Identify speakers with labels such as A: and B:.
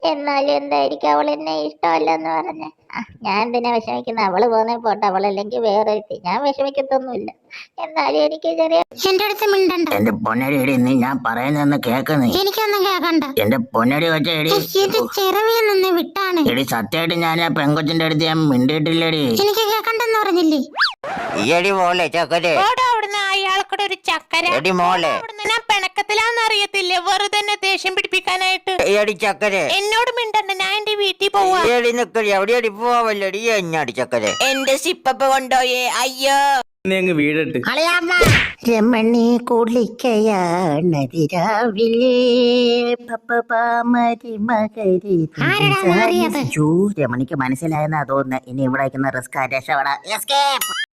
A: എന്നാലും എന്തായിരിക്കും അവൾ എന്നെ ഇഷ്ടമല്ലെന്ന് പറഞ്ഞ. ഞാൻ എന്തിനാ വിഷമിക്കുന്നത്? അവള് പോന്നെ പോട്ടെ, അവളല്ലെങ്കിൽ വേറെ ഞാൻ വിഷമിക്കത്തൊന്നുമില്ല. എന്നാലും എനിക്ക് ചെറിയ
B: എന്റെ അടുത്ത് മിണ്ടണ്ട.
C: എന്റെ പൊന്നടി എടി, നീ ഞാൻ പറയുന്നൊന്ന് കേക്കുന്നേ.
B: എനിക്കൊന്നും കേക്കണ്ട.
C: എന്റെ പൊന്നടി വെച്ച എടി,
B: എന്റെ ചെറുവിൽ നിന്ന് വിട്ടാണ്.
C: എടി സത്യമായിട്ട് ഞാൻ ആ പെങ്കൊച്ചിന്റെ അടുത്ത് ഞാൻ മിണ്ടിയിട്ടില്ലടി.
B: എനിക്ക് കേക്കണ്ടെന്ന് പറഞ്ഞില്ലേ?
C: എടി മോളെ ചക്കരെ,
D: അവിടുന്ന് അയാൾക്കൂടെ ഒരു ചക്കര.
C: എടി മോളെ,
D: ഞാൻ പിണക്കത്തിലാന്ന് അറിയത്തില്ലേ, വെറുതെ എന്നെ ദേഷ്യം പിടിപ്പിക്കാനായിട്ട്.
C: എടി ചക്കരെ,
D: എന്നോട് മിണ്ടണ്ട, ഞാൻ എന്റെ വീട്ടിൽ പോവാ.
C: എടി നിക്കടി, എവിടെയടി പോവല്ലടി എഞ്ഞാടി ചക്കരെ.
D: എന്റെ സിപ്പപ്പ കൊണ്ടോയേ, അയ്യോ.
E: വീടിട്ട്
C: രമണി കുളിക്കയാണതിരാവിലെ രമണിക്ക് മനസ്സിലായെന്നാ തോന്നുന്നു. ഇനി ഇവിടെ റിസ്ക് രക്ഷപ്പെടാ.